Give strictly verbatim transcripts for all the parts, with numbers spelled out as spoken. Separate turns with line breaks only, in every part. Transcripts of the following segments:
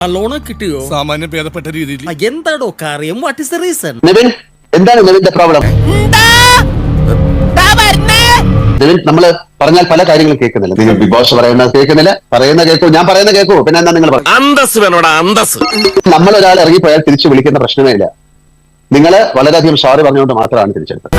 Loan കിട്ടിയോ?
സാമാന്യം ഭേദപ്പെട്ട രീതിയിൽ.
എന്താടോ കാര്യം? What is the reason?
Nivin, എന്താണ് നിവിന്റെ പ്രോബ്ലം? നിവിൻ, നമ്മള് പറഞ്ഞാൽ പല കാര്യങ്ങളും കേൾക്കുന്നില്ല. നിങ്ങൾ ബിഗ് ബോസ് പറയുന്നത് കേൾക്കുന്നില്ല, പറയുന്ന കേൾക്കൂ, ഞാൻ പറയുന്ന കേൾക്കൂ, പിന്നെ എന്താ നിങ്ങൾ
അന്തസ് വേണോടാ അന്തസ്.
നമ്മൾ ഒരാൾ ഇറങ്ങിപ്പോയാൽ തിരിച്ചു വിളിക്കുന്ന പ്രശ്നമേ ഇല്ല. നിങ്ങൾ വളരെയധികം സോറി പറഞ്ഞുകൊണ്ട് മാത്രമാണ് തിരിച്ചെടുത്തത്.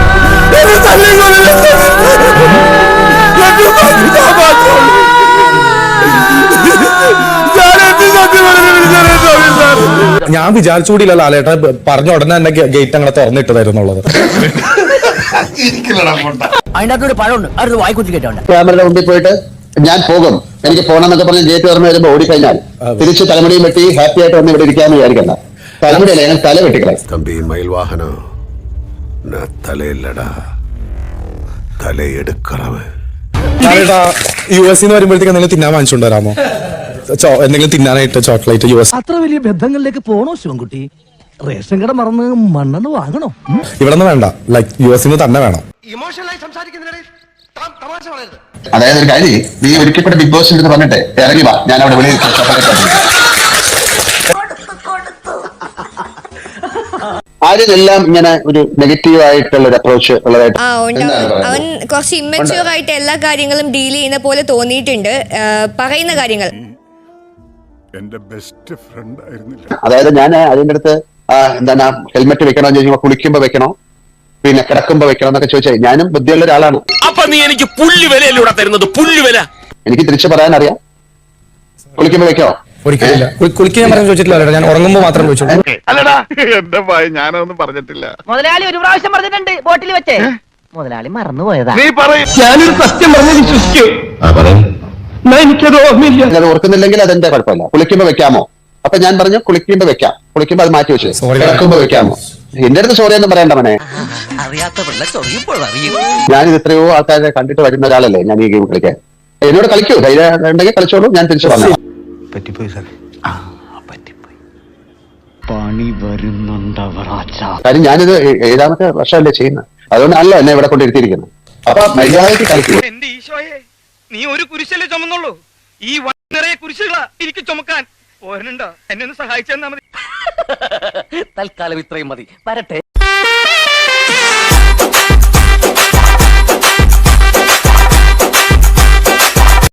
ഞാൻ വിചാരിച്ചുകൂടിയില്ല ലാലേട്ട പറഞ്ഞ ഉടനെ തന്നെ ഗേറ്റ് അങ്ങനെ തുറന്നിട്ടതായിരുന്നുള്ളത്.
ക്യാമറയുടെ മുമ്പിൽ പോയിട്ട് ഞാൻ പോകും, എനിക്ക് പോകണമെന്നൊക്കെ പറഞ്ഞ് ഗേറ്റ് തുറന്നു വരുമ്പോൾ ഓടിക്കഴിഞ്ഞാൽ തിരിച്ച് തലമുടിയും വെട്ടി ഹാപ്പി ആയിട്ട് വന്ന് ഇവിടെ ഇരിക്കാന്ന് വിചാരിക്കണ്ട. തലമുടിയല്ല, ഞാൻ തല വെട്ടിക്കളെ.
തമ്പി മയിൽ വാഹനം തലയില്ലടാ തലയെടുക്കറവ്.
ലാലേട്ടാ യു എസ് വരുമ്പോഴത്തേക്ക് എന്തെങ്കിലും തിന്നാൻ വാങ്ങിച്ചുകൊണ്ട് വരാമോ? എന്തെങ്കിലും തിന്നാനായിട്ട് ചോക്ലേറ്റ് യു എസ്.
അത്ര വലിയ ബന്ധങ്ങളിലേക്ക് പോണോ ശിവൻകുട്ടി? റേഷൻ കട മറന്ന് മണ്ണെന്ന് വാങ്ങണോ?
ഇവിടെ നിന്ന് വേണ്ട, ലൈക്ക് യു എസ് തന്നെ വേണം.
അതായത് ഒരു കാര്യം, നീ ഒരിക്കലും ബിഗ് ബോസ് എന്ന് പറഞ്ഞിട്ട് ഇറങ്ങി വാ, ഞാൻ അവിടെ വെളിയിൽ ആരെല്ലാം ഇങ്ങനെ ഒരു നെഗറ്റീവ് ആയിട്ടുള്ള ഒരു അപ്രോച്ച് ഉള്ളതായിട്ട്
അവൻ കുറച്ച് ഇമ്മച്യൂർ ആയിട്ട് എല്ലാ കാര്യങ്ങളും ഡീൽ ചെയ്യുന്ന പോലെ തോന്നിയിട്ടുണ്ട് പറയുന്ന കാര്യങ്ങൾ.
എന്റെ ബെസ്റ്റ് ഫ്രണ്ട് ആയിരുന്നില്ല.
അതായത് ഞാൻ അതിന്റെ അടുത്ത് എന്താണ് ഹെൽമെറ്റ് വെക്കണോന്ന് ചോദിക്കുമ്പോ കുളിക്കുമ്പോ വെക്കണോ, പിന്നെ കിടക്കുമ്പോ വെക്കണോ എന്നൊക്കെ ചോദിച്ചാൽ ഞാനും ബുദ്ധിയുള്ള ഒരാളാണ്.
അപ്പൊ നീ എനിക്ക് പുല്ല് വിലയല്ലൂടെ തരുന്നത്, പുല്ല് വില.
എനിക്ക് തിരിച്ചു പറയാൻ അറിയാം. കുളിക്കുമ്പോ വെക്കോ?
ഒരിക്കലില്ല. കുളിക്കാൻ പറയാൻ ചോദിച്ചിട്ടില്ല, ഞാൻ ഉറങ്ങുമ്പോ മാത്രം ചോദിച്ചു.
അല്ലടാ എന്റെ ഭയ ഞാനൊന്നും പറഞ്ഞിട്ടില്ല.
മുതലാളി ഒരു പ്രാവശ്യം പറഞ്ഞിട്ടുണ്ട് ബോട്ടിൽ വെച്ചേ, മുതലാളി മറന്നുപോയതാ.
നീ പറയും.
ഞാനൊരു സത്യം പറഞ്ഞ് വിശ്വസിക്കൂ. എനിക്കത് ഓർമ്മയില്ല.
അത് ഓർക്കുന്നില്ലെങ്കിൽ അതെന്റെ കുഴപ്പമില്ല. കുളിക്കുമ്പോ വെക്കാമോ? അപ്പൊ ഞാൻ പറഞ്ഞു കുളിക്കുമ്പോ വെക്കാം. കുളിക്കുമ്പോ അത് മാറ്റി വെച്ചു. കിടക്കുമ്പോ വെക്കാമോ? എന്റെ അടുത്ത് സോറി ഒന്നും പറയണ്ട മനെ. ഞാനിത് എത്രയോ ആൾക്കാരെ കണ്ടിട്ട് വരുന്ന ഒരാളല്ലേ ഞാൻ ഈ ഗെയിം കളിക്കാൻ. എന്നോട് കളിക്കൂ, ധൈര്യം ഉണ്ടെങ്കിൽ കളിച്ചോളൂ, ഞാൻ തിരിച്ചു പറഞ്ഞു. കാര്യം ഞാനിത് ഏഴാമത്തെ വർഷമല്ലേ ചെയ്യുന്നത്, അതുകൊണ്ടാണല്ലോ എന്നെ ഇവിടെ കൊണ്ടിരുത്തിയിരിക്കുന്നത്. അപ്പൊ മര്യാദയ്ക്ക് കളിക്കൂ.
എന്റെ ഈശോയെ, നീ ഒരു കുരിശല്ലേ ചുമന്നുള്ളൂ, ഈ നിറയെ കുരിശുകളാ എനിക്ക് ചുമക്കാൻ. പോരനുണ്ടോ? എന്നെ ഒന്ന് സഹായിച്ചു തന്നാ മതി.
തൽക്കാലം ഇത്രയും മതി, വരട്ടെ.